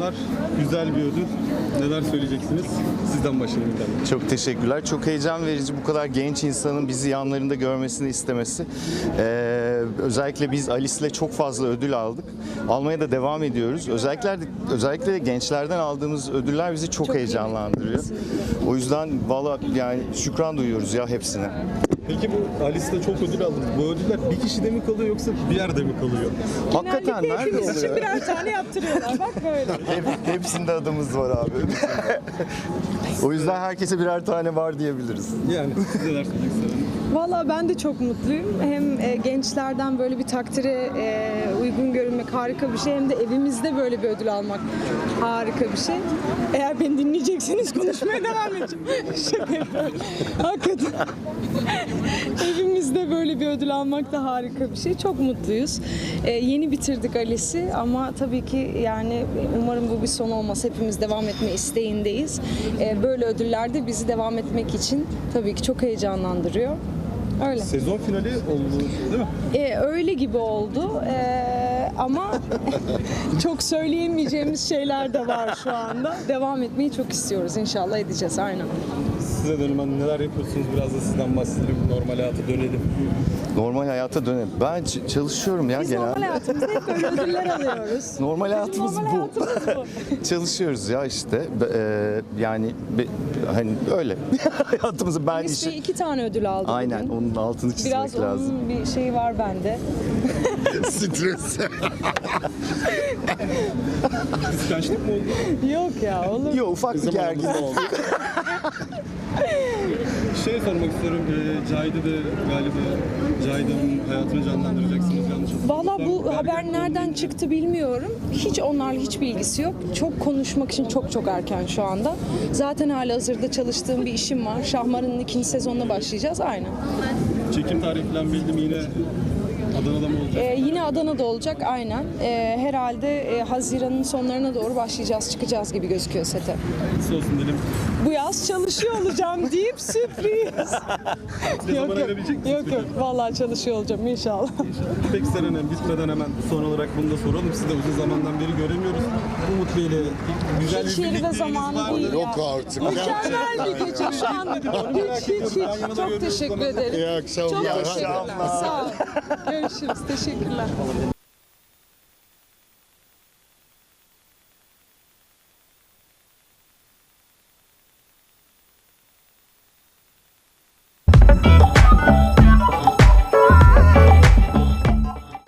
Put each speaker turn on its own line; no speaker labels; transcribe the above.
var. Güzel bir ödül. Neler söyleyeceksiniz? Sizden başlayalım.
Çok teşekkürler. Çok heyecan verici bu kadar genç insanın bizi yanlarında görmesini istemesi. Özellikle biz Alice'le çok fazla ödül aldık. Almaya da devam ediyoruz. Özellikle de gençlerden aldığımız ödüller bizi çok heyecanlandırıyor. O yüzden valla yani şükran duyuyoruz ya hepsine.
Peki bu Alice'de çok ödül aldınız. Bu ödüller bir kişide mi kalıyor yoksa bir yerde mi kalıyor?
Hakikaten nerede
Hepimiz için
oluyor?
birer tane yaptırıyorlar. Bak böyle.
Hepsinde adımız var abi. O yüzden herkese birer tane var diyebiliriz.
Yani siz neler söyleyeceksiniz?
Valla ben de çok mutluyum. Hem gençlerden böyle bir takdire uygun görünmek harika bir şey. Hem de evimizde böyle bir ödül almak harika bir şey. Eğer beni dinleyecekseniz konuşmaya devam edeceğim. Şaka yapıyorum. Hakikaten. Evimizde böyle bir ödül almak da harika bir şey. Çok mutluyuz. Yeni bitirdik Alice'i ama tabii ki yani umarım bu bir son olmaz. Hepimiz devam etme isteğindeyiz. Böyle ödüller de bizi devam etmek için tabii ki çok heyecanlandırıyor. Öyle.
Sezon finali oldu değil mi?
Öyle gibi oldu ama çok söyleyemeyeceğimiz şeyler de var şu anda. Devam etmeyi çok istiyoruz. İnşallah edeceğiz. Aynen.
Size dönelim. Hani neler yapıyorsunuz? Biraz da sizden bahsedelim. Normal hayata dönelim.
Normal hayata dönelim. Ben çalışıyorum ya
Biz
genelde.
normal hayatımızda hep böyle ödüller alıyoruz.
Normal hayatımız
Normal
bu.
hayatımız bu.
Çalışıyoruz ya işte. Yani hani öyle. Hayatımızı ben
Biz
işi...
2 tane ödül aldı
Aynen
bugün.
onun altını çizmek
Biraz
lazım.
onun bir şeyi var bende.
Stres.
Kıskançlık mı oldu?
Yok ya olur.
Yok ufak bir gergin oldu.
Sormak istiyorum. Cahide de galiba Cahide'nin hayatını canlandıracaksınız yanlış hatırlamıyorsam.
Valla bu haber nereden çıktı bilmiyorum. Hiç onlarla hiçbir ilgisi yok. Çok konuşmak için çok erken şu anda. Zaten halihazırda çalıştığım bir işim var. Şahmar'ın 2. sezonuna başlayacağız. Aynen.
Çekim tarihi falan belli mi yine? Adana'da mı olacak?
Yine Adana'da olacak aynen. Herhalde Haziran'ın sonlarına doğru başlayacağız, çıkacağız gibi gözüküyor sete.
Nasıl olsun dedim.
Bu yaz çalışıyor olacağım deyip sürpriz.
Ne zaman ayırabilecek misiniz
Yok yok. Vallahi çalışıyor olacağım inşallah.
Peki Seren bitmeden hemen son olarak bunu da soralım. Sizi de uzun zamandan beri göremiyoruz. Umut Bey'le güzel
Hiç
bir
yeri ve
birlikteliğiniz
zamanı
var mı?
değil ya.
Yok artık.
Mükemmel bir gece şu an. Hiç. Çok teşekkür ederim.
İyi akşamlar.
Çok
İyi
teşekkürler.
akşamlar.
Sağ ol. Görüşürüz. Teşekkürler.